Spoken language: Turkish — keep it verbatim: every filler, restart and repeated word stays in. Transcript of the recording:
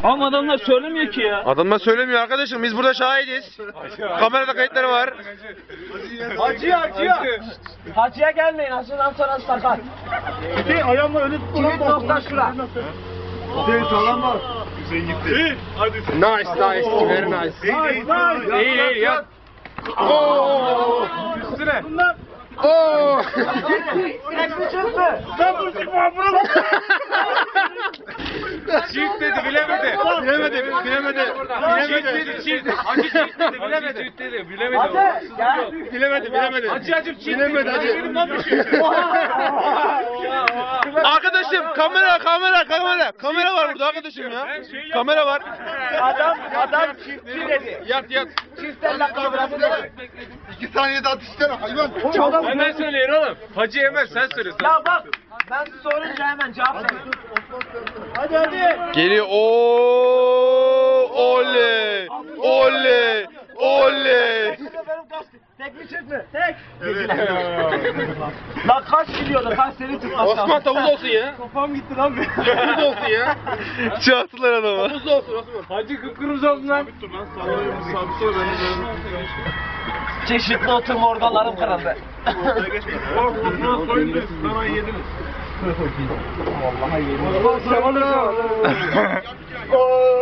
Ama adamlar söylemiyor ki ya. Adamlar söylemiyor arkadaşım. Biz burada şahidiz. Kamerada kayıtları var. Hacıya hacıya. Hacıya gelmeyin. Hacıdan sonra sakat. Hüseyin ayağımla öyle tut. Kilit nokta şura. Hüseyin sağlam var. Hüseyin gitti. Hadi. Nice nice. Very nice. Nice nice. İyi iyi yat. Oo. Üstüne. Bunlar. Oo. Ekli çıktı. Sen bu çıkma bunu. Çift dedi bilemedi. Bilemedi bilemedi. Bilemedi. Dedi çift. Hacı çift dedi bilemedi. Çift dedi bilemedi. Hacı gel. Bilemedi bilemedi. Hacı hacı çift. Bilemedi hacı. Benim lan bir şey. Arkadaşım kamera kamera kamera. Kamera var burada arkadaşım ya. Kamera var. Adam adam çiftçi dedi. Yat yat. Çiftlerle kavramı dedi. İki saniyede atıştırma hayvan. Adam Hemen söyleyin oğlum. Hacı yemez sen söylüyorsun. ya bak ben sorunca hemen cevap verin. Hadi hadi. Geliyor. Oo! Oley! Oley! Oley! Benim kaç tek mi çift mi? Tek. Lan kaç gidiyordu? Kaç seni tutmaz. Osman tavuz olsun ya. Kafam gitti lan benim. Tavuz olsun ya. Çarptılar adamı. Tavuz olsun Osman. Hacı kıpkırmızı oldu lan. Sabit dur lan. Sabit dur ben de. Çeşitli oturma organlarım kırıldı. Osman soyundunuz. Bana yediniz. Vallahi yedim.